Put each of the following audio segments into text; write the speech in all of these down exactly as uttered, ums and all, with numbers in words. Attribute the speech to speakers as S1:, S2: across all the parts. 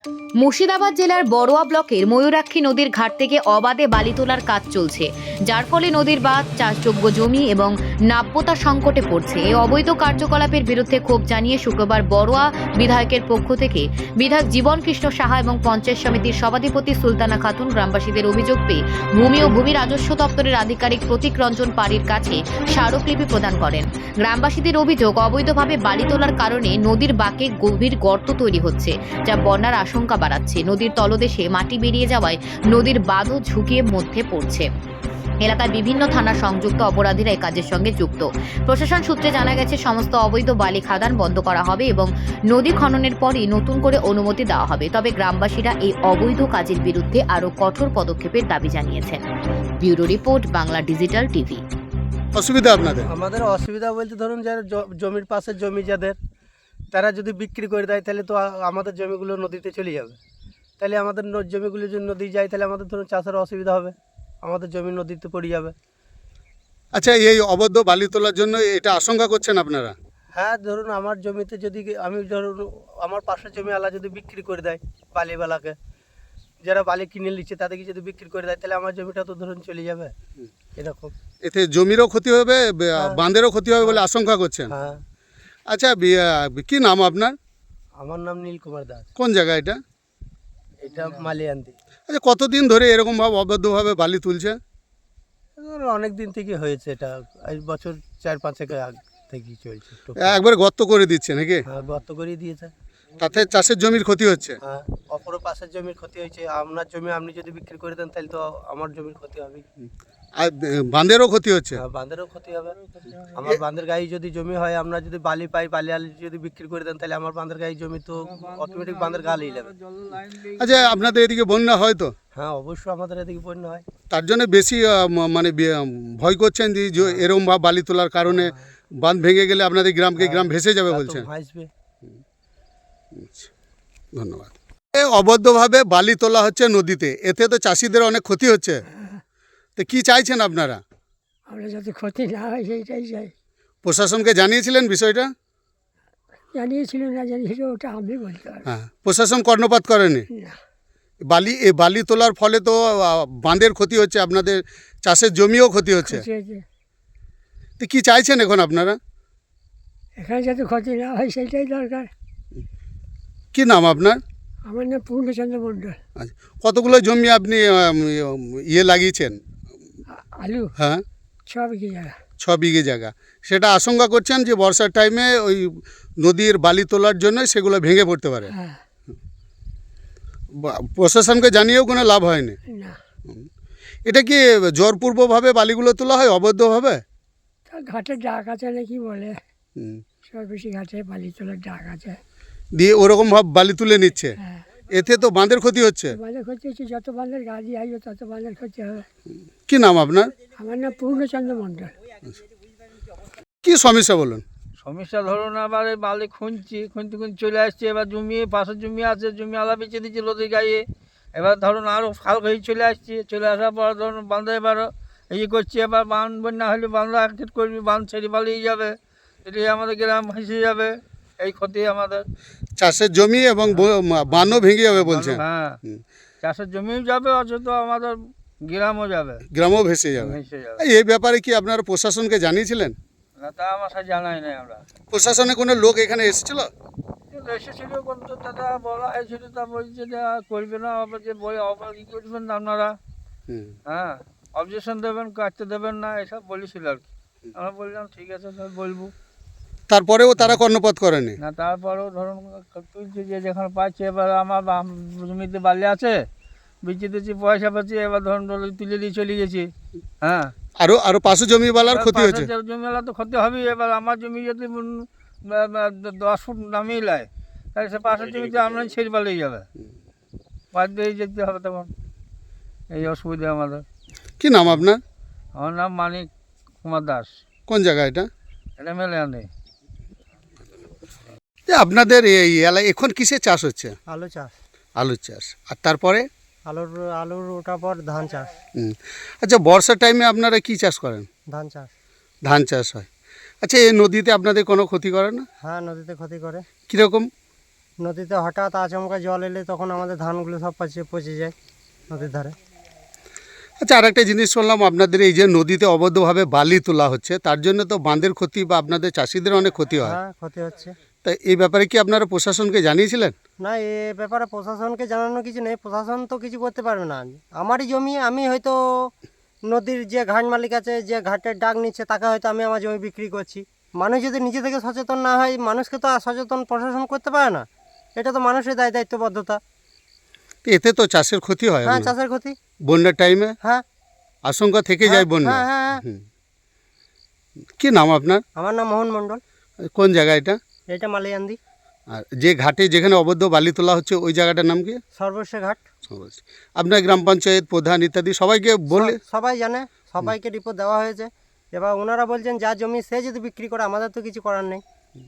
S1: মুর্শিদাবাদ জেলার বড়োয়া ব্লকের ময়ূরাক্ষী নদীর ঘাট থেকে অবাধে বালি তোলার কাজ চলছে, যার ফলে নদীর বাঁধ, চাষযোগ্য জমি এবং নাব্যতা সংকটে পড়ছে। এই অবৈধ কার্যকলাপের বিরুদ্ধে ক্ষোভ জানিয়ে শুক্রবার বড়োয়া বিধায়কের পক্ষ থেকে বিধায়ক জীবন কৃষ্ণ সাহা এবং পঞ্চায়েত সমিতির সভাধিপতি সুলতানা খাতুন গ্রামবাসীদের অভিযোগ পেয়ে ভূমি ও ভূমি রাজস্ব দপ্তরের আধিকারিক প্রতীক রঞ্জন পাড়ির কাছে স্মারকলিপি প্রদান করেন। গ্রামবাসীদের অভিযোগ, অবৈধভাবে বালি তোলার কারণে নদীর বাঁকে গভীর গর্ত তৈরি হচ্ছে, যা বন্যার আশঙ্কা বাড়াচ্ছে। নদীর তলদেশে মাটি বেরিয়ে যাওয়ায় নদীর বাঁধও ঝুঁকির মধ্যে পড়ছে। এলাকায় বিভিন্ন থানা সংযুক্ত অপরাধীরা এই কাজের সঙ্গে যুক্ত। প্রশাসন সূত্রে জানা গেছে, সমস্ত অবৈধ বালি খাদান বন্ধ করা হবে এবং নদী খননের পরই নতুন করে অনুমতি দেওয়া হবে। তবে গ্রামবাসীরা এই অবৈধ কাজের বিরুদ্ধে আরও কঠোর পদক্ষেপের দাবি জানিয়েছেন। Bureau report, Bangla digital TV.
S2: অসুবিধা আপনাদের?
S3: আমাদের অসুবিধা বলতে ধরুন যারা জমির পাশে জমি যাদের, তারা যদি বিক্রি করে দেয় তাহলে তো আমাদের জমিগুলো নদীতে চলে যাবে। তাহলে আমাদের জমিগুলো যদি নদী যায় তাহলে আমাদের ধরুন চাষের অসুবিধা হবে, আমাদের জমি নদীতে পড়ে যাবে।
S2: আচ্ছা, এই অবৈধ বালি তোলার জন্য এটা আশঙ্কা করছেন আপনারা?
S3: হ্যাঁ, ধরুন আমার জমিতে যদি আমি ধরুন আমার পাশের জমি আলা যদি বিক্রি করে দেয় বালিওয়ালাকে, যারা বালি কিনে নিচ্ছে তাদেরকে যদি বিক্রি করে দেয় তাহলে আমার জমিটা তো ধরুন চলে যাবে। এরকম
S2: এতে জমিরও ক্ষতি হবে, বাঁধেরও ক্ষতি হবে বলে আশঙ্কা করছেন?
S3: হ্যাঁ।
S2: আচ্ছা, কি নাম আপনার?
S3: আমার নাম নীল কুমার দাস।
S2: কোন জায়গা এটা?
S3: এটা মালিয়ান্দি।
S2: আচ্ছা, কতদিন ধরে এরকম ভাবে অবৈধভাবে বালি তুলছে?
S3: অনেক দিন থেকে হয়েছে, এটা এই বছর চার পাঁচেক আগ থেকেই চলছে।
S2: একবার গর্ত করে দিচ্ছে নাকি?
S3: হ্যাঁ, গর্ত করে দিয়েছে।
S2: তাতে চাষের জমির ক্ষতি হচ্ছে?
S3: হ্যাঁ, অপর পাশের জমির ক্ষতি হয়েছে। আপনার জমি আপনি যদি বিক্রি করে দেন তাহলে তো আমার জমির ক্ষতি হবে।
S2: আর বাঁধেরও ক্ষতি হচ্ছে?
S3: হ্যাঁ, বাঁধেরও ক্ষতি হবে। আমার বাঁধের গায়ে যদি জমি হয়, আমরা যদি বালি পাই, বালি আলি যদি বিক্রি করে দেন তাহলে আমার বাঁধের গায়ে জমি তো অটোমেটিক বাঁধের গা লিয়ে যাবে।
S2: আচ্ছা, আপনাদের এদিকে বন্যা হয় তো?
S3: হ্যাঁ, অবশ্যই আমাদের এদিকে বন্যা হয়।
S2: তার জন্য বেশি মানে ভয় করছেন যে এরকম ভাবে বালি তোলার কারণে বাঁধ ভেঙে গেলে আপনাদের গ্রামকে গ্রাম ভেসে যাবে বলছেন?
S3: ভাসবে।
S2: ধন্যবাদ। এ অবৈধভাবে বালি তোলা হচ্ছে নদীতে, এতে তো চাষিদের অনেক ক্ষতি হচ্ছে, তো কি চাইছেন আপনারা?
S4: আমরা যাতে ক্ষতি না হয় সেইটাই চাই।
S2: প্রশাসনকে জানিয়েছিলেন বিষয়টা?
S4: জানিয়েছিল না জানিয়েছিল ওটা আমি বলতে পারি
S2: হ্যাঁ, প্রশাসন কর্ণপাত করেনি?
S4: না।
S2: বালি এই বালি তোলার ফলে তো বাঁধের ক্ষতি হচ্ছে, আপনাদের চাষের জমিও ক্ষতি হচ্ছে, তো কি চাইছেন এখন আপনারা?
S4: এখানে যাতে ক্ষতি না হয় সেইটাই দরকার।
S2: কি নাম আপনার?
S4: আমার নাম পূর্ণচন্দ্র মণ্ডল।
S2: আচ্ছা, কতগুলো জমি আপনি ইয়ে লাগিয়েছেন?
S4: আলু?
S2: হ্যাঁ,
S4: ছ বিঘে জায়গা।
S2: ছ বিঘে জায়গা। সেটা আশঙ্কা করছেন যে বর্ষার টাইমে ওই নদীর বালি তোলার জন্য সেগুলো ভেঙে পড়তে পারে?
S4: হ্যাঁ।
S2: প্রশাসনকে জানিয়েও কোনো লাভ হয়নি?
S4: না।
S2: এটা কি জোরপূর্বকভাবে বালিগুলো তোলা হয় অবৈধভাবে?
S4: তা ঘাটের ডাক আছে নাকি বলে, সব বেশি ঘাটে বালি তোলার ডাক আছে,
S2: দিয়ে ওরকমভাবে বালি তুলে নিচ্ছে।
S4: হ্যাঁ।
S2: এতে তো বাঁধের ক্ষতি হচ্ছে।
S4: বাঁধের ক্ষতি হচ্ছে, যত বাঁধের গাড়ি আসবে তত বাঁধের ক্ষতি হবে।
S2: কি নাম আপনার?
S4: আমার নাম পূর্ণচন্দ্র মণ্ডল।
S2: কি সমস্যা বলুন?
S5: সমস্যা ধরুন আবার এই বালি খুঁজছি, খুঁজতে খুঁজতে চলে আসছে, এবার জমি পাশের জমি আছে, জমি আলা বেঁচে দিচ্ছে নদীর গায়ে। এবার ধরুন আরও খাল হয়ে চলে আসছে, চলে আসার পর ধরুন বাঁধে এবার এই করছে, এবার বাঁধ বন্যা হলে বাঁধ একটিট করবি, বাঁধ ছেড়ে পালিয়ে যাবে, এটি আমাদের গ্রাম ভেসে যাবে। এই ক্ষতি আমাদের
S2: চাষের জমি এবং বানও ভেঙে যাবে বলছেন?
S5: হ্যাঁ, চাষের জমিও যাবে, অথচ আমাদের গ্রামও যাবে,
S2: গ্রামও ভেসে যাবে।
S5: ভেসে যাবে।
S2: এই ব্যাপারে কি আপনারা প্রশাসনকে জানিয়েছিলেন?
S5: না, তা আমার সাথে জানাই নাই আমরা।
S2: প্রশাসনে কোনো লোক এখানে এসেছিল?
S5: এসেছিল, কিন্তু দাদা বলা হয়েছিল, তা বলছে যে করবে না, আবার যে বই আবার কী করবেন আপনারা, হ্যাঁ অবজেকশন দেবেন, কাটতে দেবেন না, এসব বলেছিল আর কি। আমরা বললাম ঠিক আছে তাহলে বলবো।
S2: তারপরেও তারা কর্ণপাত করেনি?
S5: না, তারপরেও ধরুন তুলছে যে যেখানে পাচ্ছে, এবার আমার জমিতে বালি আছে, বিচে দিচ্ছি, পয়সা পাচ্ছি, এবার ধরুন তুলে দিয়ে চলে গেছি। হ্যাঁ,
S2: আরো আরো পাশে জমিওয়ালার ক্ষতি হচ্ছে?
S5: জমিওয়ালা তো ক্ষতি হবেই। এবার আমার জমি যদি দশ ফুট নামিয়ে নেয় তাহলে সে পাশের জমিতে আমরা ছেড়ে পালিয়ে যাবে, বাধ্য হয়ে যেতে হবে তখন। এই অসুবিধা আমাদের।
S2: কি নাম আপনার?
S5: আমার নাম মানিক কুমার দাস।
S2: কোন জায়গা এটা?
S5: এটা মেলে আনে।
S2: আপনাদের এই এলাকায় এখন কিসের চাষ হচ্ছে?
S3: আলু চাষ।
S2: আলুর চাষ। আর তারপরে
S3: আলুর আলুর ওঠার পর ধান চাষ।
S2: হুম। আচ্ছা, বর্ষার টাইমে আপনারা কি চাষ করেন?
S3: ধান চাষ।
S2: ধান চাষ হয়। আচ্ছা, এই নদীতে আপনাদের কোনো ক্ষতি করে না?
S3: হ্যাঁ, নদীতে ক্ষতি করে।
S2: কীরকম?
S6: নদীতে হঠাৎ আচমকা জল এলে তখন আমাদের ধানগুলো সব পচে পচে যায় নদীর ধারে।
S2: আচ্ছা, আর একটা জিনিস শুনলাম আপনাদের এই যে নদীতে অবৈধভাবে বালি তোলা হচ্ছে, তার জন্য তো বাঁধের ক্ষতি বা আপনাদের চাষিদের অনেক ক্ষতি হয়।
S6: হ্যাঁ, ক্ষতি হচ্ছে।
S2: তা এই ব্যাপারে কি আপনারা প্রশাসনকে জানিয়েছিলেন?
S6: না, এ ব্যাপারে প্রশাসনকে জানানো কিছু নেই, প্রশাসন তো কিছু করতে পারবে না। আমারই জমি, আমি হয়তো নদীর যে ঘাট মালিক আছে, যে ঘাটের ডাক নিচ্ছে, তাকে হয়তো আমি আমার জমি বিক্রি করছি। মানুষ যদি নিজে থেকে সচেতন না হয়, মানুষকে তো আর সচেতন প্রশাসন করতে পারে না। এটা তো মানুষের দায় দায়িত্ববদ্ধতা।
S2: তো এতে তো চাষের ক্ষতি হয়।
S6: হ্যাঁ,
S2: আপনার
S6: চাষের ক্ষতি।
S2: বন্যার টাইমে
S6: হ্যাঁ,
S2: আশঙ্কা থেকে যায় বন্যা।
S6: হ্যাঁ হ্যাঁ হ্যাঁ।
S2: হুম। কি নাম আপনার?
S6: আমার নাম মোহন মণ্ডল।
S2: কোন জায়গা এটা?
S6: এটা মালিয়ান্দি
S2: আর যে ঘাটে যেখানে অবৈধ বালি তোলা হচ্ছে ওই জায়গাটার নাম কি?
S6: সর্বস্ব ঘাট।
S2: আপনার গ্রাম পঞ্চায়েত প্রধান ইত্যাদি সবাইকে বলে?
S6: স- সবাই জানে, সবাইকে রিপোর্ট দেওয়া হয়েছে। এবার ওনারা বলছেন যা জমি সে যদি বিক্রি করে, আমাদের তো কিছু করার নেই।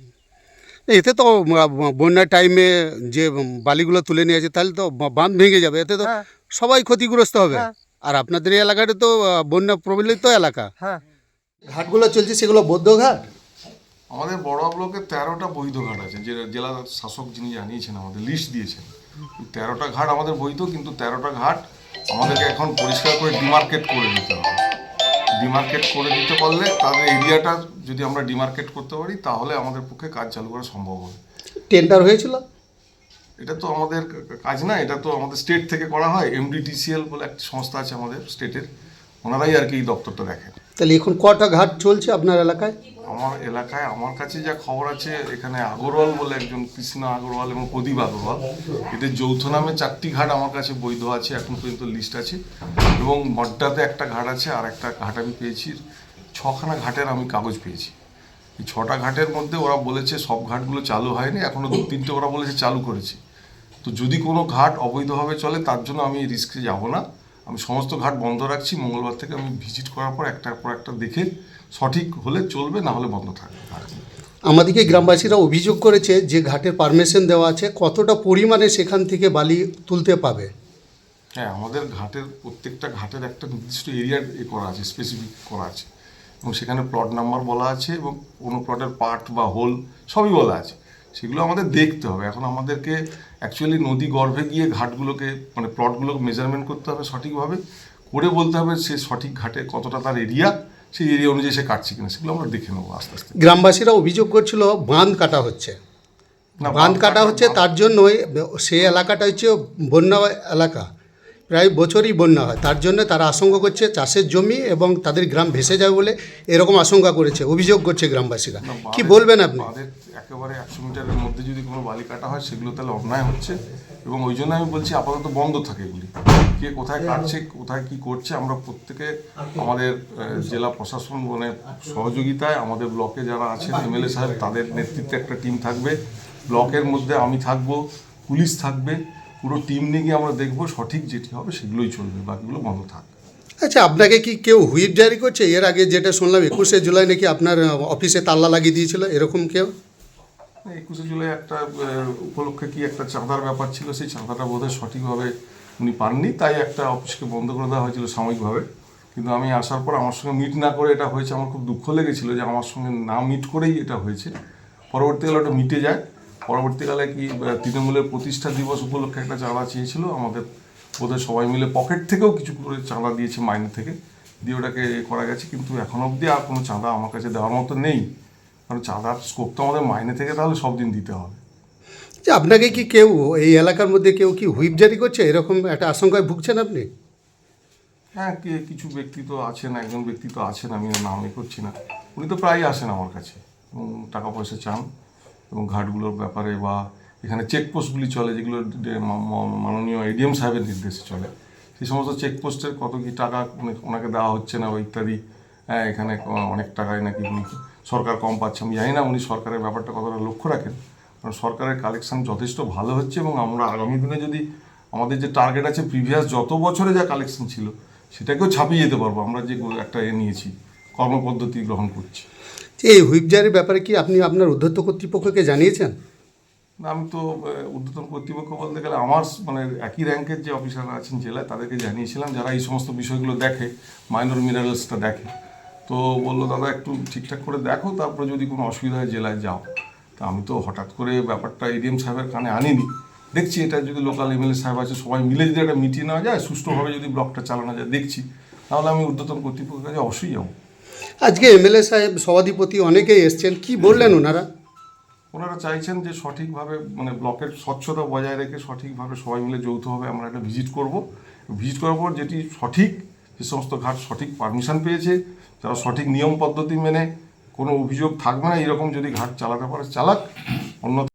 S2: এতে তো আহ, বন্যার টাইমে যে বালিগুলো তুলে নিয়ে আছে তাহলে তো বা- বাঁধ ভেঙে যাবে, এতে তো
S6: হ্যাঁ
S2: সবাই ক্ষতিগ্রস্ত হবে।
S6: হ্যাঁ
S2: আর আপনাদের এই এলাকাটা তো আহ, বন্যা প্রবলিত এলাকা।
S6: হ্যাঁ।
S2: ঘাটগুলো চলছে সেগুলো বৌদ্ধ ঘাট।
S7: আমাদের বড়োয়া ব্লকে তেরোটা বৈধ ঘাট আছে, যে জেলা শাসক যিনি জানিয়েছেন, আমাদের লিস্ট দিয়েছেন। তেরোটা ঘাট আমাদের বৈধ, কিন্তু তেরোটা ঘাট আমাদেরকে এখন পরিষ্কার করে ডিমার্কেট করে দিতে হবে। ডিমার্কেট করে দিতে পারলে তাদের এরিয়াটা যদি আমরা ডিমার্কেট করতে পারি, তাহলে আমাদের পক্ষে কাজ চালু করা সম্ভব হবে।
S2: টেন্ডার হয়েছিল?
S7: এটা তো আমাদের কাজ না, এটা তো আমাদের স্টেট থেকে করা হয়। এমডিটিসিএল বলে একটা সংস্থা আছে আমাদের স্টেটের, ওনারাই আর কি এই দপ্তরটা দেখেন।
S2: তাহলে এখন কটা ঘাট চলছে আপনার এলাকায়?
S7: আমার এলাকায় আমার কাছে যা খবর আছে, এখানে আগরওয়াল বলে একজন, কৃষ্ণ আগরওয়াল এবং প্রদীপ আগরওয়াল, এদের যৌথ নামে চারটি ঘাট আমার কাছে বৈধ আছে, এখন পর্যন্ত লিস্ট আছে। এবং মড্ডাতে একটা ঘাট আছে, আর একটা ঘাট আমি পেয়েছি, ছখানা ঘাটের আমি কাগজ পেয়েছি। এই ছটা ঘাটের মধ্যে ওরা বলেছে সব ঘাটগুলো চালু হয়নি, এখনও দু তিনটে ওরা বলেছে চালু করেছে। তো যদি কোনো ঘাট অবৈধভাবে চলে, তার জন্য আমি এই রিস্কে যাব না। আমি সমস্ত ঘাট বন্ধ রাখছি। মঙ্গলবার থেকে আমি ভিজিট করার পর একটার পর একটা দেখে সঠিক হলে চলবে, না হলে বন্ধ থাকবে।
S2: আমাদেরকে গ্রামবাসীরা অভিযোগ করেছে যে ঘাটের পারমিশন দেওয়া আছে, কতটা পরিমাণে সেখান থেকে বালি তুলতে পাবে?
S7: হ্যাঁ, আমাদের ঘাটের প্রত্যেকটা ঘাটের একটা নির্দিষ্ট এরিয়া এ করা আছে, স্পেসিফিক করা আছে, এবং সেখানে প্লট নাম্বার বলা আছে, এবং কোনো প্লটের পার্ট বা হোল সবই বলা আছে। সেগুলো আমাদের দেখতে হবে। এখন আমাদেরকে অ্যাকচুয়ালি নদী গর্ভে গিয়ে ঘাটগুলোকে, মানে প্লটগুলোকে মেজারমেন্ট করতে হবে সঠিকভাবে, করে বলতে হবে সে সঠিক ঘাটে কতটা তার এরিয়া, সেই এরিয়া অনুযায়ী সে কাটছে কিনা, সেগুলো আমরা দেখে নেবো আস্তে আস্তে।
S2: গ্রামবাসীরা অভিযোগ করছিল বাঁধ কাটা হচ্ছে।
S7: না,
S2: বাঁধ কাটা হচ্ছে, তার জন্যই সেই এলাকাটা হচ্ছে বন্যা এলাকা, প্রায় বছরই বন্যা হয়, তার জন্য তারা আশঙ্কা করছে চাষের জমি এবং তাদের গ্রাম ভেসে যাবে বলে এরকম আশঙ্কা করেছে, অভিযোগ করছে গ্রামবাসীরা।
S7: না,
S2: কি
S7: বাঁধের-
S2: বলবেন আপনি?
S7: বাঁধের একেবারে একশো মিটারের মধ্যে যদি কোনো বালি কাটা হয়, সেগুলো তাহলে অন্যায় হচ্ছে, এবং ওই জন্য আমি বলছি আপাতত বন্ধ থাকে এগুলি। কে কোথায় কাটছে, কোথায় কি করছে, আমরা প্রত্যেকে আমাদের আহ, জেলা প্রশাসন মানে সহযোগিতায়, আমাদের ব্লকে যারা আছেন এমএলএ সাহেব, তাদের নেতৃত্বে একটা টিম থাকবে, ব্লকের মধ্যে আমি থাকবো, পুলিশ থাকবে, পুরো টিম নিয়ে গিয়ে আমরা দেখবো সঠিক যেটি হবে সেগুলোই চলবে, বাকিগুলো বন্ধ থাকবে।
S2: আচ্ছা, আপনাকে কি কেউ হুইপ জারি করছে? এর আগে যেটা শুনলাম একুশে জুলাই নাকি আপনার অফিসে তাল্লা লাগিয়ে দিয়েছিল, এরকম কেউ?
S7: একুশে জুলাই একটা আহ, উপলক্ষে কি একটা চাঁদার ব্যাপার ছিল, সেই চাঁদাটা বোধহয় সঠিকভাবে উনি পাননি, তাই একটা অফিসকে বন্ধ করে দেওয়া হয়েছিল সাময়িকভাবে। কিন্তু আমি আসার পর আমার সঙ্গে মিট না করে এটা হয়েছে, আমার খুব দুঃখ লেগেছিল যে আমার সঙ্গে না মিট করেই এটা হয়েছে। পরবর্তীকালে ওটা মিটে যায়। পরবর্তীকালে কি আহ, তৃণমূলের প্রতিষ্ঠা দিবস উপলক্ষে একটা চাঁদা চেয়েছিল, আমাদের বোধহয় সবাই মিলে পকেট থেকেও কিছু করে চাঁদা দিয়েছে, মাইনে থেকে দিয়ে ওটাকে এ করা গেছে। কিন্তু এখন অবধি আর কোনো চাঁদা আমার কাছে দেওয়ার মতো নেই, কারণ চাঁদার স্কোপ তো আমাদের মাইনে থেকে তাহলে সব দিন দিতে হবে।
S2: যে আপনাকে কি কেউ এই এলাকার মধ্যে কেউ কি হুইপ জারি করছে, এরকম একটা আশঙ্কায় ভুগছেন আপনি?
S7: হ্যাঁ, কে কিছু ব্যক্তি তো আছেন, একজন ব্যক্তি তো আছেন, আমি ওর নাম এ করছি না, উনি তো প্রায়ই আসেন আমার কাছে এবং টাকা পয়সা চান, এবং ঘাটগুলোর ব্যাপারে বা এখানে চেকপোস্টগুলি চলে, যেগুলো ডে- মা- মা- মাননীয় এডিএম সাহেবের নির্দেশে চলে, সেই সমস্ত চেকপোস্টের কত কি টাকা উনি- ওনাকে দেওয়া হচ্ছে না বা ইত্যাদি। হ্যাঁ, এখানে ক- অনেক টাকায় নাকি উনি সরকার কম পাচ্ছে, আমি জানি না উনি সরকারের ব্যাপারটা কতটা লক্ষ্য রাখেন, কারণ সরকারের কালেকশন যথেষ্ট ভালো হচ্ছে, এবং আমরা আগামী দিনে যদি আমাদের যে টার্গেট আছে প্রিভিয়াস যত বছরে যা কালেকশন ছিল সেটাকেও ছাপিয়ে যেতে পারবো, আমরা যে একটা এ নিয়েছি, কর্মপদ্ধতি গ্রহণ করছি।
S2: যে এই হুইপ জারির ব্যাপারে কি আপনি আপনার উদ্ধত্ত কর্তৃপক্ষকে জানিয়েছেন?
S7: না, আমি তো আহ, ঊর্ধ্বতন কর্তৃপক্ষ বলতে গেলে আমার মানে একই র্যাঙ্কের যে অফিসাররা আছেন জেলায়, তাদেরকে জানিয়েছিলাম, যারা এই সমস্ত বিষয়গুলো দেখে, মাইনর মিনারেলসটা দেখে। তো বললো দাদা একটু ঠিকঠাক করে দেখো, তারপরে যদি কোনো অসুবিধা হয় জেলায় যাও। তা তা আমি তো হঠাৎ করে ব্যাপারটা এডিএম সাহেবের কানে আনিনি, দেখছি এটা যদি লোকাল এমএলএ সাহেব আছে সবাই মিলে যদি একটা মিটিয়ে নেওয়া যায়, সুষ্ঠুভাবে যদি ব্লকটা চালানো যায় দেখছি, তাহলে আমি ঊর্ধ্বতন কর্তৃপক্ষের কাছে অবশ্যই যাবো।
S2: আজকে এমএলএ সাহেব, সভাধিপতি অনেকেই এসছেন, কি বললেন ওনারা?
S7: ওনারা চাইছেন যে সঠিকভাবে মানে ব্লকের স্বচ্ছতা বজায় রেখে সঠিকভাবে সবাই মিলে যৌথভাবে আমরা একটা ভিজিট করব। ভিজিট করার পর যেটি সঠিক, যে সমস্ত ঘাট সঠিক পারমিশন পেয়েছে, তারা সঠিক নিয়ম পদ্ধতি মেনে কোনো অভিযোগ থাকবে না, এরকম যদি ঘাট চালাতে পারে চালাক, অন্য